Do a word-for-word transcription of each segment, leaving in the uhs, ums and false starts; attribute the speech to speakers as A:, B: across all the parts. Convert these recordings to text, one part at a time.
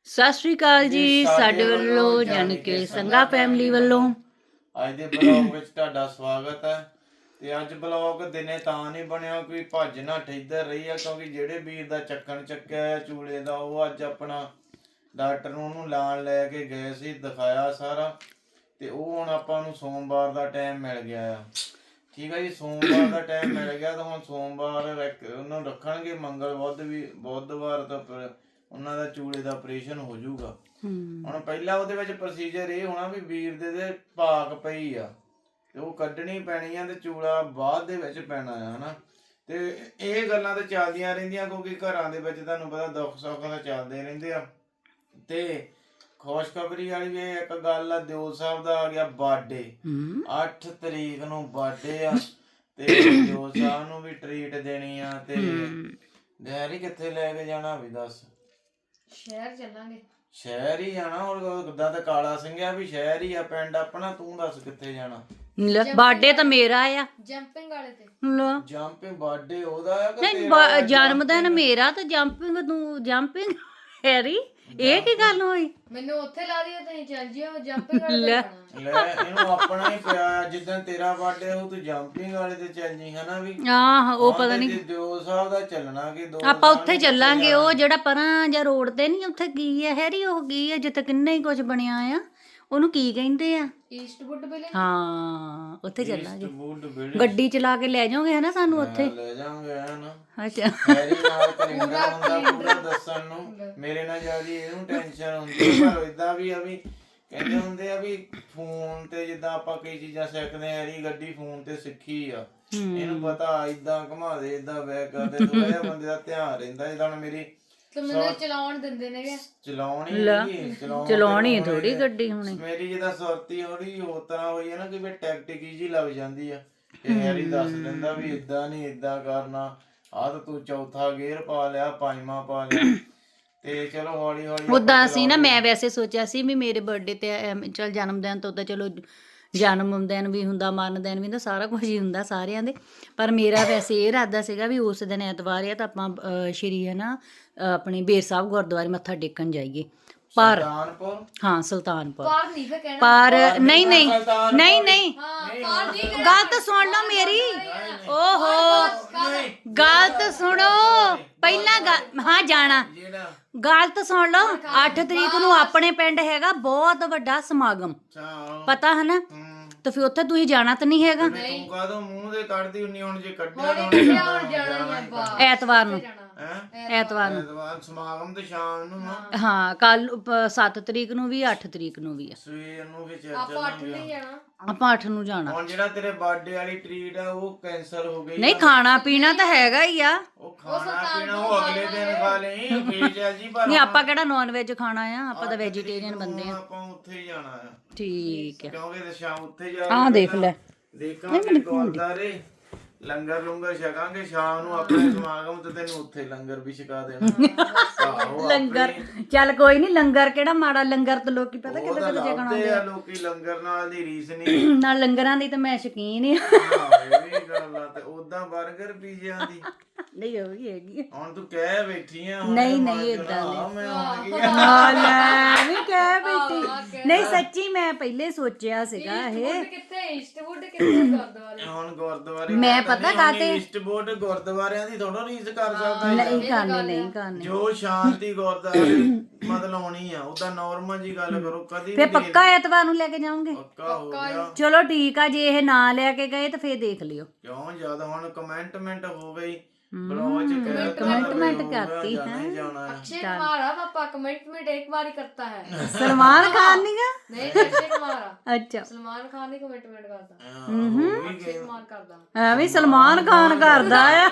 A: ਸਤਿ ਸ਼੍ਰੀ ਅਕਾਲ ਜੀ ਸਾਡੇ ਵੱਲੋਂ ਯਾਨੀ ਕਿ ਸੰਗਾ ਫੈਮਿਲੀ ਵੱਲੋਂ
B: ਅੱਜ ਦੇ ਬਲੌਗ ਵਿੱਚ ਤੁਹਾਡਾ ਸਵਾਗਤ ਹੈ। ਤੇ ਅੱਜ ਬਲੌਗ ਦਿਨੇ ਤਾਂ ਨਹੀਂ ਬਣਿਆ ਕੋਈ ਭੱਜ ਨੱਠ ਇੱਧਰ ਰਹੀ ਆ, ਕਿਉਂਕਿ ਜਿਹੜੇ ਵੀਰ ਦਾ ਚੱਕਣ ਚੱਕਿਆ ਹੈ ਚੂਲੇ ਦਾ ਉਹ ਅੱਜ ਆਪਣਾ ਡਾਕਟਰ ਨੂੰ ਉਹਨੂੰ ਲਾਣ ਲੈ ਕੇ ਗਏ ਸੀ, ਦਿਖਾਇਆ ਸਾਰਾ। ਤੇ ਉਹ ਹੁਣ ਆਪਾਂ ਨੂੰ ਸੋਮਵਾਰ ਦਾ ਟਾਈਮ ਮਿਲ ਗਿਆ ਆ। ਠੀਕ ਹੈ ਜੀ, ਸੋਮਵਾਰ ਦਾ ਟਾਈਮ ਮਿਲ ਗਿਆ ਤਾਂ ਹੁਣ ਸੋਮਵਾਰ ਉਹਨੂੰ ਰੱਖਣਗੇ, ਮੰਗਲ ਬੁੱਧ ਵੀ ਬੁੱਧਵਾਰ ਤੋਂ ਉਹਨਾਂ ਦਾ ਚੂਲੇ ਦਾ ਆਪਰੇਸ਼ਨ ਹੋ ਜਾਊਗਾ। ਹੁਣ ਪਹਿਲਾਂ ਉਹਦੇ ਵਿੱਚ ਪ੍ਰੋਸੀਜਰ ਇਹ ਹੋਣਾ ਵੀ ਵੀਰ ਦੇ ਦੇ ਭਾਕ ਪਈ ਆ ਤੇ ਉਹ ਕੱਢਣੀ ਪੈਣੀ ਆ ਤੇ ਚੂਲਾ ਬਾਅਦ ਦੇ ਵਿੱਚ ਪੈਣਾ ਆ ਹਨਾ। ਤੇ ਇਹ ਗੱਲਾਂ ਤਾਂ ਚੱਲਦੀਆਂ ਰਹਿੰਦੀਆਂ ਕਿਉਂਕਿ ਘਰਾਂ ਦੇ ਵਿੱਚ ਤੁਹਾਨੂੰ ਪਤਾ ਦੁੱਖ ਸੁੱਖ ਤਾਂ ਚੱਲਦੇ ਰਹਿੰਦੇ ਆ। ਤੇ ਖੁਸ਼ਖਬਰੀ ਵਾਲੀ ਵੀ ਇੱਕ ਗੱਲ ਆ, ਦਿਓ ਸਾਹਿਬ ਦਾ ਆ ਗਿਆ ਬਰਥਡੇ, ਅੱਠ ਤਰੀਕ ਨੂੰ ਬਰਥਡੇ ਆ ਤੇ ਦਿਓ ਸਾਹਿਬ ਨੂੰ ਵੀ ਟਰੀਟ ਦੇਣੀ ਆ। ਤੇ ਡੈਡੀ ਕਿੱਥੇ ਲੈ ਕੇ ਜਾਣਾ ਵੀ ਦੱਸ?
C: ਸ਼ਹਿਰ ਚੱਲਾਂਗੇ।
B: ਸ਼ਹਿਰ ਹੀ ਜਾਣਾ ਹੁਣ, ਉਦਾਂ ਤਾਂ ਕਾਲਾ ਸਿੰਘਿਆ ਵੀ ਸ਼ਹਿਰ ਹੀ ਆ ਪਿੰਡ ਆਪਣਾ, ਤੂੰ ਦੱਸ ਕਿੱਥੇ ਜਾਣਾ?
A: ਬਰਥਡੇ ਤਾਂ ਮੇਰਾ ਆ।
C: ਜੰਪਿੰਗ ਵਾਲੇ ਤੇ
A: ਲੋ
B: ਜੰਪਿੰਗ ਬਰਥਡੇ ਉਹਦਾ ਆ ਕਿ
A: ਨਹੀਂ, ਬ- ਜਨਮ ਦਿਨ ਮੇਰਾ ਤੇ ਜੰਪਿੰਗ ਤੂੰ ਜੰਪਿੰਗ ਹੈਰੀ, ਇਹ ਕੀ ਗੱਲ ਹੋਈ?
C: ਮੈਨੂੰ ਉੱਥੇ ਲਾ ਦਿਓ, ਤੁਸੀਂ ਚੱਲ ਜਿਓ ਜੰਪਿੰਗ ਵਾਲੇ ਤੇ ਜਾਣਾ।
B: ਲੈ ਇਹਨੂੰ ਆਪਣਾ ਹੀ ਪਿਆ, ਜਿੱਦਾਂ ਤੇਰਾ ਬਰਥਡੇ ਹੋ ਤੂੰ ਜੰਪਿੰਗ ਵਾਲੇ ਤੇ ਚੱਲ ਜੀ ਹਨਾ ਵੀ।
A: ਆਹ ਉਹ ਪਤਾ ਨਹੀਂ
B: ਦਿਓ ਸਾਹਿਬ ਦਾ ਚੱਲਣਾ ਕਿ ਦੋ
A: ਆਪਾਂ ਉੱਥੇ ਚੱਲਾਂਗੇ, ਉਹ ਜਿਹੜਾ ਪਰਾਂ ਜਾਂ ਰੋਡ ਤੇ ਨਹੀਂ ਉੱਥੇ ਕੀ ਹੈ ਹੈਰੀ, ਉਹ ਕੀ ਹੈ ਜਿੱਥੇ ਕਿੰਨਾ ਹੀ ਕੁਝ ਬਣਿਆ ਆ, ਉਹਨੂੰ ਕੀ ਕਹਿੰਦੇ ਆ?
C: Eastwood Ville.
A: ਹਾਂ ਉੱਥੇ ਚੱਲਾਂਗੇ,
B: ਬੂਟ ਬਿਲਡ
A: ਗੱਡੀ ਚਲਾ ਕੇ ਲੈ ਜਾਓਗੇ ਹਨਾ ਸਾਨੂੰ ਉੱਥੇ?
B: ਲੈ ਜਾਵਾਂਗੇ ਹਨਾ।
A: ਅੱਛਾ
B: ਮੇਰੀ ਨਾਲ ਕੈਲੰਡਰ ਹੁੰਦਾ ਪੂਰਾ ਦੱਸਣ ਨੂੰ, ਮੇਰੇ ਨਾਲ ਜਿਆਦਾ ਇਹਨੂੰ ਟੈਨਸ਼ਨ ਹੁੰਦੀ ਹੈ। ਪਰ ਇਦਾਂ ਵੀ ਆ ਵੀ ਕਹਿੰਦੇ ਹੁੰਦੇ ਆ ਵੀ ਫੋਨ ਤੇ ਜਿੱਦਾਂ ਆਪਾਂ ਕਈ ਚੀਜ਼ਾਂ ਸਿੱਖਦੇ ਆ, ਇਹਦੀ ਗੱਡੀ ਫੋਨ ਤੇ ਸਿੱਖੀ ਆ, ਇਹਨੂੰ ਪਤਾ ਇਦਾਂ ਘੁਮਾ ਦੇ ਇਦਾਂ ਬੈਕ ਕਰਦੇ, ਥੋੜਾ ਜਿਹਾ ਬੰਦੇ ਦਾ ਧਿਆਨ ਰਹਿੰਦਾ। ਜਿੱਦਾਂ ਮੇਰੀ
C: ਤੇ ਮੈਨੂੰ ਚਲਾਉਣ ਦਿੰਦੇ ਨੇਗੇ,
B: ਚਲਾਉਣੀ ਨਹੀਂ
A: ਚਲਾਉਣੀ ਥੋੜੀ ਗੱਡੀ ਹੁਣੇ।
B: ਮੇਰੀ ਜਿਹਦਾ ਸੁਰਤੀ ਥੋੜੀ ਹੋਰ ਤਰ੍ਹਾਂ ਹੋਈ ਹੈ ਨਾ ਕਿ ਵੀ ਟੈਕਟਿਕ ਜੀ ਲੱਗ ਜਾਂਦੀ ਆ। ਤੇ ਹੈਰੀ ਦੱਸ ਦਿੰਦਾ ਵੀ ਇਦਾਂ ਨਹੀਂ ਇਦਾਂ ਕਰਨਾ, ਆਹ ਤਾਂ ਤੂੰ ਚੌਥਾ ਗੇਅਰ ਪਾ ਲਿਆ, ਪੰਜਵਾਂ ਪਾ ਲਿਆ। ਤੇ ਚਲੋ ਹੌਲੀ ਹੌਲੀ
A: ਉਦਾਂ ਅਸੀਂ ਨਾ, ਮੈਂ ਵੈਸੇ ਸੋਚਿਆ ਸੀ ਵੀ ਮੇਰੇ ਬਰਥਡੇ ਤੇ ਚਲ ਜਨਮ ਦਿਨ ਤੋਂ ਤਾਂ ਚਲੋ ਜਨਮ ਦਿਨ ਵੀ ਹੁੰਦਾ, ਮਰਨ ਦਿਨ ਵੀ ਹੁੰਦਾ, ਸਾਰਾ ਕੁਝ ਹੀ ਹੁੰਦਾ ਸਾਰਿਆਂ ਦੇ, ਪਰ ਮੇਰਾ ਵੈਸੇ ਇਹ ਇਰਾਦਾ ਸੀਗਾ ਵੀ ਉਸ ਦਿਨ ਐਤਵਾਰ ਆ ਤਾਂ ਆਪਾਂ ਸ਼੍ਰੀ ਹੈ ਨਾ ਆਪਣੇ ਬੇਰ ਸਾਹਿਬ ਗੁਰਦੁਆਰੇ ਮੱਥਾ ਟੇਕਣ ਜਾਈਏ। ਪਰ ਹਾਂ ਸੁਲਤਾਨਪੁਰ,
C: ਕਾਰ ਨਹੀਂ ਫੇ ਕਹਿਣਾ,
A: ਪਰ ਨਹੀਂ ਨਹੀਂ ਨਹੀਂ ਨਹੀਂ
C: ਹਾਂ ਕਾਰ ਨਹੀਂ ਕਹਿਣਾ।
A: ਗੱਲ ਤਾਂ ਸੁਣ ਲਓ ਮੇਰੀ, ਓਹੋ ਗੱਲ ਤਾਂ ਸੁਣੋ ਪਹਿਲਾਂ ਗੱਲ, ਹਾਂ ਜਾਣਾ, ਗੱਲ ਤਾਂ ਸੁਣ ਲਓ। ਅੱਠ ਤਰੀਕ ਨੂੰ ਆਪਣੇ ਪਿੰਡ ਹੈਗਾ ਬਹੁਤ ਵੱਡਾ ਸਮਾਗਮ, ਪਤਾ ਹੈ ਨਾ? ਤੇ ਫਿਰ ਉੱਥੇ ਤੁਸੀਂ ਜਾਣਾ ਤਾਂ ਨਹੀਂ ਹੈਗਾ?
B: ਤੂੰ ਕਾਹਦੋਂ ਮੂੰਹ ਦੇ ਕੱਢਦੀ ਹੁੰਨੀ, ਹੁਣ ਜੇ ਕੱਢਿਆ
C: ਹੁਣ ਜਾਣਾ ਹੀ ਆ,
A: ਐਤਵਾਰ ਨੂੰ,
B: ਹੈ
A: ਐਤਵਾਰ ਨੂੰ
B: ਐਤਵਾਰ ਸਮਾਗਮ ਤੇ ਸ਼ਾਮ ਨੂੰ ਆ।
A: ਹਾਂ ਕੱਲ ਸੱਤ ਤਰੀਕ ਨੂੰ ਵੀ, ਅੱਠ ਤਰੀਕ ਨੂੰ ਵੀ ਆ।
B: ਸਵੇਰ ਨੂੰ ਵੀ ਚੱਲ
C: ਆਪਾਂ ਅੱਠ ਨਹੀਂ ਜਾਣਾ,
A: ਆਪਾਂ ਅੱਠ ਨੂੰ ਜਾਣਾ।
B: ਹੁਣ ਜਿਹੜਾ ਤੇਰੇ ਬਰਥਡੇ ਵਾਲੀ ਟ੍ਰੀਟ ਆ ਉਹ ਕੈਂਸਲ ਹੋ ਗਈ।
A: ਨਹੀਂ ਖਾਣਾ ਪੀਣਾ ਤਾਂ ਹੈਗਾ ਹੀ ਆ,
B: ਉਹ ਖਾਣਾ ਪੀਣਾ ਉਹ ਅਗਲੇ ਦਿਨ ਖਾ ਲਈ ਫੇਰ ਚੱਲ ਜੀ। ਪਰ
A: ਨਹੀਂ ਆਪਾਂ ਕਿਹੜਾ ਨੌਨ ਵੈਜ ਖਾਣਾ ਆ, ਆਪਾਂ ਤਾਂ ਵੈਜੀਟੇਰੀਅਨ ਬੰਦੇ ਆ।
B: ਆਪਾਂ ਉੱਥੇ ਹੀ ਜਾਣਾ ਆ,
A: ਠੀਕ ਹੈ।
B: ਕਿਉਂਕਿ ਤੇ ਸ਼ਾਮ ਉੱਥੇ ਜਾ
A: ਆਹ ਦੇਖ ਲੈ,
B: ਦੇਖਾਂਗੇ ਗੁਰਦਾਰੇ ਲੰਗਰ ਲੰਗਰ ਛਕਾਂਗੇ ਸ਼ਾਮ ਨੂੰ ਆਪਣੇ ਸਮਾਗਮ ਤੇ, ਤੈਨੂੰ ਉੱਥੇ ਲੰਗਰ ਵੀ ਛਕਾ ਦੇਣਾ।
A: ਲੰਗਰ ਚੱਲ ਕੋਈ ਨਹੀਂ, ਲੰਗਰ ਕਿਹੜਾ ਮਾੜਾ, ਲੰਗਰ ਤਾਂ ਲੋਕੀ ਪਤਾ ਕਿੱਦਾਂ ਕਿੱਦਾਂ ਜਗਣਾ
B: ਹੁੰਦੇ ਆ ਲੋਕੀ, ਲੰਗਰ ਨਾਲ ਦੀ ਰੀਸ ਨਹੀਂ।
A: ਨਾਲ ਲੰਗਰਾਂ ਦੀ ਤਾਂ ਮੈਂ ਸ਼ੌਕੀਨ ਆ।
B: ਇਹ ਵੀ ਗੱਲ ਆ। ਤੇ ਉਦਾਂ 버ਗਰ ਪੀਜ਼ਿਆਂ ਦੀ
A: ਨਹੀਂ ਉਹ ਵੀ ਹੈਗੀ
B: ਹੁਣ ਤੂੰ ਕਹਿ ਬੈਠੀ ਆ।
A: ਨਹੀਂ ਨਹੀਂ ਏਦਾਂ ਨਹੀਂ,
B: ਮੈਂ ਹੁਣ ਕੀ
A: ਹਾਂ ਲੈ ਵੀ ਕਹਿ ਬੈਠੀ, ਨਹੀਂ ਸੱਚੀ ਮੈਂ ਪਹਿਲੇ ਸੋਚਿਆ ਸੀਗਾ ਇਹ
C: ਕਿੱਥੇ ਈਸਟਵੁੱਡ ਕਿੱਥੇ ਗੁਰਦੁਆਰੇ।
B: ਹੁਣ ਗੁਰਦੁਆਰੇ
A: ਮੈਂ ਪਤਾ ਕਾਤੇ
B: ਈਸਟ ਬੋਰਡ ਗੁਰਦੁਆਰਿਆਂ ਦੀ ਥੋੜਾ ਰੀਸ ਕਰ ਸਕਦਾ।
A: ਨਹੀਂ ਕਰਨੀ ਨਹੀਂ ਕਰਨੀ,
B: ਜੋ ਸ਼ਾਂਤੀ ਗੁਰਦੁਆਰੇ ਮਤਲਬ ਆਉਣੀ ਆ ਉਹਦਾ ਨਾਰਮਲ ਜੀ ਗੱਲ ਕਰੋ। ਕਦੀ
A: ਫੇ ਪੱਕਾ ਐਤਵਾਰ ਨੂੰ ਲੈ ਕੇ ਜਾਓਗੇ?
B: ਪੱਕਾ ਹੋ ਗਿਆ।
A: ਚਲੋ ਠੀਕ ਆ, ਜੇ ਇਹ ਨਾ ਲੈ ਕੇ ਗਏ ਤਾਂ ਫੇਰ ਦੇਖ ਲਿਓ।
B: ਕਿਉਂ ਜਿਆਦਾ ਹੁਣ ਕਮੈਂਟਮੈਂਟ ਹੋ ਗਈ, ਬਲੌਗ ਚ ਕਹਿ
A: ਕਮੈਂਟਮੈਂਟ ਕਰਤੀ ਹੈ।
C: अक्षय कुमार है पापा, कमिटमेंट एक बार ही करता है।
A: सलमान खान नहीं का?
C: नहीं अक्षय कुमार।
A: अच्छा
C: सलमान खान ही कमिटमेंट करता,
B: ਅਕਸ਼ੇ
C: कुमार करता
A: है भी सलमान खान करदा है।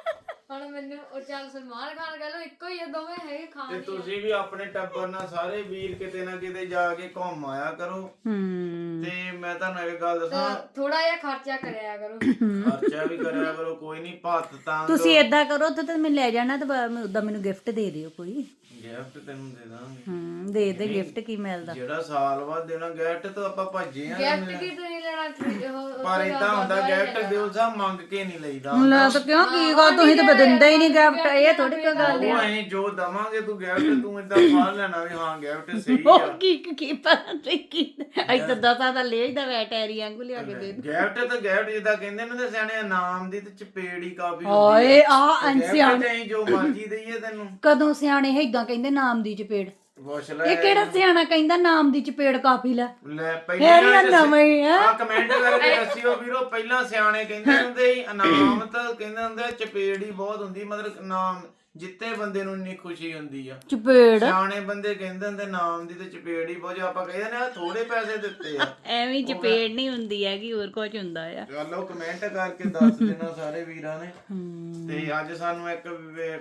C: ਹੁਣ ਮੈਨੂੰ ਉਹ ਚੱਲ ਸਲਮਾਨ ਖਾਨ ਕਹ ਲੋ, ਇੱਕੋ ਹੀ ਆ, ਦੋਵੇਂ ਹੈਗੇ ਖਾਨ
B: ਤੇ
C: ਹੀ।
B: ਤੁਸੀਂ ਵੀ ਆਪਣੇ ਟੱਬਰ ਨਾਲ ਸਾਰੇ ਵੀਰ ਕਿਤੇ ਨਾ ਕਿਤੇ ਜਾ ਕੇ ਘੁੰਮ ਆਇਆ ਕਰੋ।
A: ਹੂੰ
B: ਤੇ ਮੈਂ ਤੁਹਾਨੂੰ ਇੱਕ ਗੱਲ ਦੱਸਾਂ,
C: ਥੋੜਾ ਜਿਹਾ ਖਰਚਾ ਕਰਿਆ ਕਰੋ,
B: ਖਰਚਾ ਵੀ ਕਰਿਆ ਕਰੋ, ਕੋਈ ਨਹੀਂ ਭੱਤ ਤਾਂ
A: ਤੁਸੀਂ ਏਦਾਂ ਕਰੋ ਤੇ ਤੇ ਮੈਂ ਲੈ ਜਾਣਾ ਤੇ ਉਦਾਂ ਮੈਨੂੰ ਗਿਫਟ ਦੇ ਦਿਓ ਕੋਈ।
B: ਗਿਫਟ ਤੈਨੂੰ ਦੇ ਦਾਂਗੇ।
A: ਹੂੰ ਦੇ ਦੇ ਗਿਫਟ ਕੀ ਮਿਲਦਾ?
B: ਜਿਹੜਾ ਸਾਲ ਬਾਅਦ ਦੇਣਾ ਗਿਫਟ ਤਾਂ ਆਪਾਂ ਭੱਜੇ ਆ।
C: ਗਿਫਟ ਕੀ ਤੁਸੀਂ ਲੈਣਾ?
B: ਪਰ ਇਦਾਂ ਹੁੰਦਾ ਗਿਫਟ ਦਿਓ ਸਾ ਮੰਗ ਕੇ ਨਹੀਂ ਲਈਦਾ।
A: ਲੈ ਤਾਂ ਕਿਉਂ ਕੀ ਗੱਲ, ਤੁਸੀਂ ਤੇ ਦਿੰਦਾ ਹੀ ਨਹੀਂ ਗਿਫਟ, ਇਹ ਥੋੜੀ ਕੋਈ ਗੱਲ
B: ਉਹ
A: ਆ।
B: ਅਸੀਂ ਜੋ ਦਵਾਂਗੇ ਤੂੰ ਗਿਫਟ ਤੂੰ ਏਦਾਂ ਫੜ ਲੈਣਾ ਵੀ ਹਾਂ ਗਿਫਟ ਸਹੀ ਆ।
A: ਉਹ ਕੀ ਕੀ ਪਤਾ ਤੇ ਕੀ ਇੱਥੇ ਦਸਾਂ ਦਾ ਲੈ ਜਾਂਦਾ ਵੈਟੈਰੀ ਵਾਂਗੂ ਲਿਆ ਕੇ ਦੇ
B: ਗਿਫਟ ਤਾਂ ਗਿਫਟ ਜਿੱਦਾਂ ਕਹਿੰਦੇ ਨੇ ਤੇ ਸਿਆਣੇ ਨਾਮ ਦੀ ਤੇ ਚਪੇੜੀ ਕਾਫੀ
A: ਓਏ ਆ
B: ਗਿਫਟ
A: ਅਨਸਿਆਣੇ
B: ਅਸੀਂ ਜੋ ਮਰਜ਼ੀ ਦਈਏ ਤੈਨੂੰ।
A: ਕਦੋਂ ਸਿਆਣੇ ਏਦਾਂ ਕਹਿੰਦੇ ਨਾਮ ਦੀ ਚਪੇੜ?
B: ਪੁੱਛ ਲੈ
A: ਇਹ ਕਿਹੜਾ ਸਿਆਣਾ ਕਹਿੰਦਾ ਨਾਮ ਦੀ ਚਪੇੜ ਕਾਫੀ ਲੈ?
B: ਲੈ
A: ਇਹ
B: ਪਹਿਲਾਂ
A: ਵੀ ਨਵਾਂ ਹੀ ਆ।
B: ਆ ਕਮੈਂਟ ਕਰਕੇ ਦੱਸਿਓ ਵੀਰੋ, ਪਹਿਲਾਂ ਸਿਆਣੇ ਕਹਿੰਦੇ ਹੁੰਦੇ ਸੀ ਇਨਾਮ ਤਾਂ ਕਹਿੰਦੇ ਹੁੰਦੇ ਆ ਚਪੇੜ ਹੀ ਬਹੁਤ ਹੁੰਦੀ, ਮਤਲਬ ਨਾਮ ਜਿੱਤੇ ਬੰਦੇ ਨੂੰ ਇੰਨੀ ਖੁਸ਼ੀ ਹੁੰਦੀ ਆ।
A: ਚਪੇੜ
B: ਸਿਆਣੇ ਬੰਦੇ ਕਹਿੰਦੇ ਹੁੰਦੇ ਨਾਮ ਦੀ ਤੇ ਚਪੇੜ ਹੀ ਬਹੁਤ, ਆਪਾਂ ਕਹਿੰਦੇ ਨੇ ਥੋੜੇ ਪੈਸੇ ਦਿੱਤੇ ਆ।
A: ਐਵੇਂ ਚਪੇੜ ਨਹੀਂ ਹੁੰਦੀ ਹੈਗੀ, ਹੋਰ ਕੁਝ ਹੁੰਦਾ ਆ।
B: ਚਲੋ ਕਮੈਂਟ ਕਰਕੇ ਦੱਸ ਦੇਣਾ ਸਾਰੇ ਵੀਰਾਂ ਨੇ।
A: ਹਮ,
B: ਤੇ ਅੱਜ ਸਾਨੂੰ ਇੱਕ ਵੇ-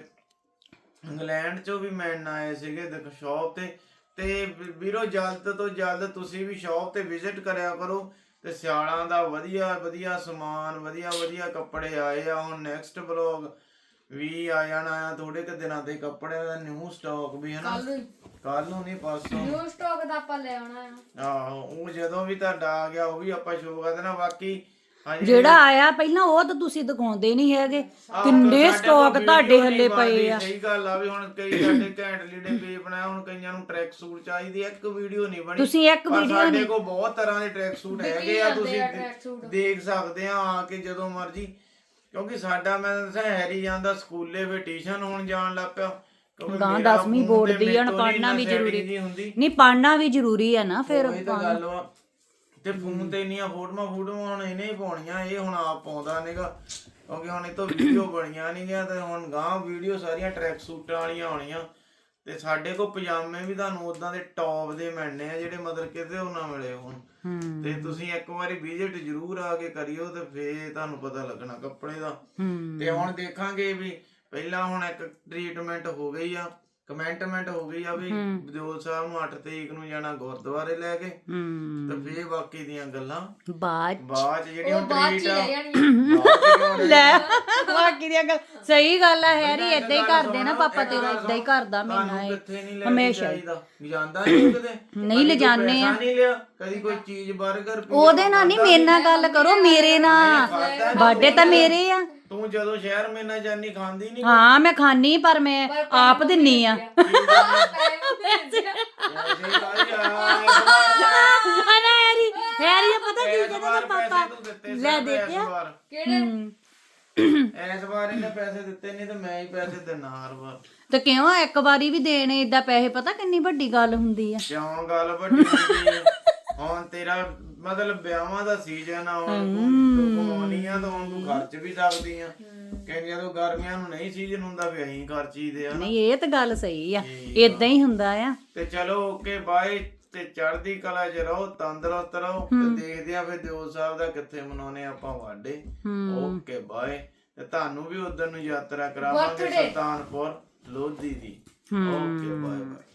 B: ਇੰਗਲੈਂਡ ਚੋਂ ਵੀ ਮੈਨ ਆਏ ਸੀਗੇ ਦੇਖੋ ਸ਼ੌਪ ਤੇ ਤੇ ਵੀ- ਵੀਰੋ ਜਲਦ ਤੋਂ ਜਲਦ ਤੁਸੀਂ ਵੀ ਸ਼ੌਪ ਤੇ ਵਿਜ਼ਿਟ ਕਰਿਆ ਕਰੋ ਤੇ ਸਿਆਲਾਂ ਦਾ ਵਧੀਆ ਵਧੀਆ ਸਮਾਨ ਵਧੀਆ ਵਧੀਆ ਕੱਪੜੇ ਆਏ ਆ। ਹੁਣ ਨੈਕਸਟ ਵਲੌਗ ਵੀ ਆ ਜਾਣਾ ਆ ਥੋੜੇ ਕੁ ਦਿਨਾਂ ਦੇ ਕੱਪੜਿਆਂ ਦਾ ਨਿਊ ਸਟਾਕ ਵੀ ਹਨਾ,
C: ਕੱਲ ਨੂੰ
B: ਕੱਲ ਨੂੰ ਨਹੀਂ ਪਰਸੋਂ।
C: ਨਿਊ ਸਟਾਕ ਦਾ ਆਪਾਂ ਲੈ ਆਉਣਾ ਆ।
B: ਆਹੋ ਉਹ ਜਦੋਂ ਵੀ ਤੁਹਾਡਾ ਆ ਗਿਆ ਉਹ ਵੀ ਆਪਾਂ ਸ਼ੋਅ ਕਰ ਦੇਣਾ। ਬਾਕੀ ਹਜੇ
A: ਜਿਹੜਾ ਆਇਆ ਪਹਿਲਾਂ ਉਹ ਤਾਂ ਤੁਸੀਂ ਦਿਖਾਉਂਦੇ ਨਹੀਂ ਹੈਗੇ, ਕਿੰਨੇ
B: ਸਾਡੇ
A: ਸਟਾਕ
B: ਕੋਲ
A: ਤੁਹਾਡੇ
B: ਵੀਡੀਓ
A: ਹੱਲੇ
B: ਨਹੀਂ
A: ਪਏ
B: ਬਣਦੀ,
A: ਆ।
B: ਸਹੀ ਗੱਲ ਆ ਵੀ ਹੁਣ ਕਈ ਸਾਡੇ ਘੈਂਟ ਲੀੜੇ ਪੇਜ ਬਣਾਇਆ, ਹੁਣ ਕਈਆਂ ਨੂੰ ਟਰੈਕ ਸੂਟ ਚਾਹੀਦੀ ਆ, ਇੱਕ ਵੀਡੀਓ ਨਹੀਂ ਬਣੀ।
A: ਤੁਸੀਂ ਇੱਕ
B: ਪਰ
A: ਵੀਡੀਓ
B: ਸਾਡੇ ਕੋਲ ਬਹੁਤ ਤਰ੍ਹਾਂ ਦੇ ਟਰੈਕ ਸੂਟ ਹੈਗੇ ਆ, ਤੁਸੀਂ
C: ਜਾਂਦੇ ਆ track suit।
B: ਦੇਖ ਸਕਦੇ ਆ ਆ ਕੇ ਜਦੋਂ ਮਰਜੀ। ਕਿਉਂਕਿ ਸਾਡਾ ਮੈਂ ਦੱਸਿਆ ਹੈਰੀ ਜਾਂਦਾ ਸਕੂਲੇ ਫੇ ਟਿਊਸ਼ਨ ਹੋਣ ਜਾਣ ਲੱਗ ਪਿਆ। ਕਿਉਂਕਿ
A: ਗਾਂ
B: ਮੇਰਾ
A: ਦਸਵੀਂ
B: ਫੋਨ
A: ਬੋਰਡ
B: ਤੇ
A: ਦੀ ਆ,
B: ਮੇਰੇ ਤੋਂ
A: ਪੜ੍ਹਨਾ ਵੀ
B: ਨਹੀਂ
A: ਜ਼ਰੂਰੀ।
B: setting ਜਿਹੀ ਹੁੰਦੀ।
A: ਨਹੀਂ ਪੜ੍ਹਨਾ ਵੀ ਜ਼ਰੂਰੀ ਆ ਨਾ ਫਿਰ।
B: ਉਹੀ ਤਾਂ ਗੱਲ ਵਾ। ਤੇ ਫੋਨ ਤੇ ਇੰਨੀਆਂ ਫੋਟੋਆਂ ਫੋਟੋਆਂ ਹੁਣ ਇਹਨੇ ਹੀ ਪਾਉਣੀਆਂ, ਇਹ ਹੁਣ ਆਪ ਪਾਉਂਦਾ ਨਹੀਂਗਾ ਕਿਉਂਕਿ ਹੁਣ ਇਹ ਤੋਂ ਵੀਡੀਓ ਬਣੀਆਂ ਨਹੀਂ ਗਿਆ। ਤੇ ਹੁਣ ਗਾਂ ਵੀਡੀਓ ਸਾਰੀਆਂ ਟਰੈਕ ਸੂਟਾਂ ਵਾਲੀਆਂ ਆਉਣੀਆਂ। ਤੇ ਸਾਡੇ ਕੋਲ ਪਜਾਮੇ ਵੀ ਤੁਹਾਨੂੰ ਉਦਾਂ ਦੇ ਟੌਪ ਦੇ ਮਿਲਣੇ ਆ ਜਿਹੜੇ ਮਤਲਬ ਕਿਤੇ ਉਹ ਨਾ ਮਿਲੇ ਹੁਣ।
A: ਹੂੰ
B: ਤੇ ਤੁਸੀਂ ਇੱਕ ਵਾਰੀ ਵਿਜ਼ਿਟ ਜ਼ਰੂਰ ਆ ਕੇ ਕਰਿਓ ਤੇ ਫੇਰ ਤੁਹਾਨੂੰ ਪਤਾ ਲੱਗਣਾ ਕੱਪੜੇ ਦਾ।
A: ਹੂੰ
B: ਤੇ ਹੁਣ ਦੇਖਾਂਗੇ ਵੀ ਪਹਿਲਾਂ ਹੁਣ ਇੱਕ ਟ੍ਰੀਟਮੈਂਟ ਹੋ ਗਈ ਆ, ਕਮੈਂਟਮੈਂਟ ਹੋ ਗਈ ਆ ਵੀ ਦਿਓਲ ਸਾਹਿਬ ਨੂੰ ਅੱਠ ਤਰੀਕ ਨੂੰ ਜਾਣਾ ਗੁਰਦੁਆਰੇ ਲੈ ਕੇ।
A: ਹੂੰ
B: ਤੇ ਫੇਰ ਬਾਕੀ ਦੀਆਂ ਗੱਲਾਂ
A: ਬਾਅਦ
B: ਬਾਅਦ ਚ ਜਿਹੜੀਆਂ
C: ਉਹ ਬਾਅਦ ਚ
B: ਟ੍ਰੀਟ
C: ਹੀ
B: ਆ
C: ਲੈ ਜਾਣੀਆਂ।
B: ਬਾਅਦ ਚ ਕਿਉਂ
A: ਲੈ ਬਾਕੀ ਦੀਆਂ ਗੱਲ ਸਹੀ ਗੱਲ ਆ। ਹੈਰੀ
B: ਇੱਕ
A: ਏਦਾਂ ਹੀ
B: ਗੱਲ
A: ਕਰਦੇ ਨਾ,
B: ਸੁਣੋ,
A: ਪਾਪਾ
B: ਇੱਕ
A: ਤੇਰਾ
B: ਗੱਲ
A: ਏਦਾਂ ਹੀ
B: ਸੁਣੋ,
A: ਕਰਦਾ ਮੈਨਾਂ
B: ਤੁਹਾਨੂੰ
A: ਇਹ
B: ਕਿੱਥੇ ਨਹੀਂ ਲੈ
A: ਹਮੇਸ਼ਾ ਹੀ।
B: ਜਾਈਦਾ, ਜਾਂਦਾ ਨਹੀਂ ਕਿਤੇ
A: ਨਹੀਂ
B: ਕਦੀ
A: ਲਿਜਾਨੇ
B: ਕੋਈ
A: ਆ।
B: ਪੈਸਾ ਨਹੀਂ ਲਿਆ, ਕਦੀ ਕੋਈ ਚੀਜ਼ 버ਗਰ ਪੀਜ਼ਾ
A: ਉਹਦੇ ਨਾਲ ਨਹੀਂ, ਮੇਰੇ ਨਾਲ ਗੱਲ ਕਰੋ, ਮੇਰੇ ਨਾਲ। ਬਰਥਡੇ ਤਾਂ ਮੇਰੇ ਆ।
B: ਤੂੰ ਜਦੋਂ ਸ਼ਹਿਰ ਮੇਨਾ ਜਾਨੀ ਖਾਂਦੀ ਨਹੀਂ
A: ਹਾਂ ਮੈਂ ਖਾਣੀ, ਪਰ ਮੈਂ ਆਪ ਦਿੰਨੀ ਆ। ਅਨਾ ਹੈਰੀ ਹੈਰੀ ਇਹ ਪਤਾ ਕੀ ਕਹਿੰਦਾ ਪਾਪਾ ਲੈ ਦੇਖਿਆ।
C: ਕਿਹੜੇ
B: ਇਸ ਵਾਰ ਇਹਨੇ ਪੈਸੇ ਦਿੱਤੇ ਨਹੀਂ ਤੇ ਮੈਂ ਹੀ ਪੈਸੇ ਦੇਣਾ ਹਰ ਵਾਰ।
A: ਤੇ ਕਿਉਂ ਇੱਕ ਵਾਰੀ ਵੀ ਦੇਣੇ ਏਦਾਂ ਪੈਸੇ, ਪਤਾ ਕਿੰਨੀ ਵੱਡੀ ਗੱਲ ਹੁੰਦੀ ਆ।
B: ਕਿਉਂ ਗੱਲ ਵੱਡੀ ਹੁੰਦੀ ਹੈ? ਹੁਣ ਤੇਰਾ ਮਤਲਬ ਵਿਆਹਾਂ ਦਾ ਸੀਜ਼ਨ ਆ, ਹੁਣ ਤੂੰ ਕਮਾਉਣੀ ਆ ਤਾਂ ਹੁਣ ਤੂੰ ਖਰਚ ਵੀ ਸਕਦੀ ਆ। ਕਹਿੰਦੀਆਂ ਤੂੰ ਗਰਮੀਆਂ ਨੂੰ ਨਹੀਂ ਸੀਜ਼ਨ ਹੁੰਦਾ ਵੀ ਅਸੀਂ ਖਰਚੀਦੇ ਆ ਨਾ।
A: ਨਹੀਂ ਇਹ ਤਾਂ ਗੱਲ ਸਹੀ ਆ, ਏਦਾਂ ਹੀ ਹੁੰਦਾ ਆ।
B: ਤੇ ਚਲੋ ਓਕੇ ਬਾਏ। ਤੇ ਚੜ੍ਹਦੀ ਕਲਾ 'ਚ ਰਹੋ, ਤੰਦਰੁਸਤ ਰਹੋ। ਤੇ ਦੇਖਦੇ ਆ ਫਿਰ ਦਿਓਲ ਸਾਹਿਬ ਦਾ ਕਿੱਥੇ ਮਨਾਉਣੇ ਆਪਾਂ ਵਾਡੇ। Okay bye. ਤੇ ਤੁਹਾਨੂੰ ਵੀ ਉਧਰ ਨੂੰ ਯਾਤਰਾ ਕਰਾਵਾਂਗੇ ਸੁਲਤਾਨਪੁਰ ਲੋਧੀ ਦੀ। Okay bye bye.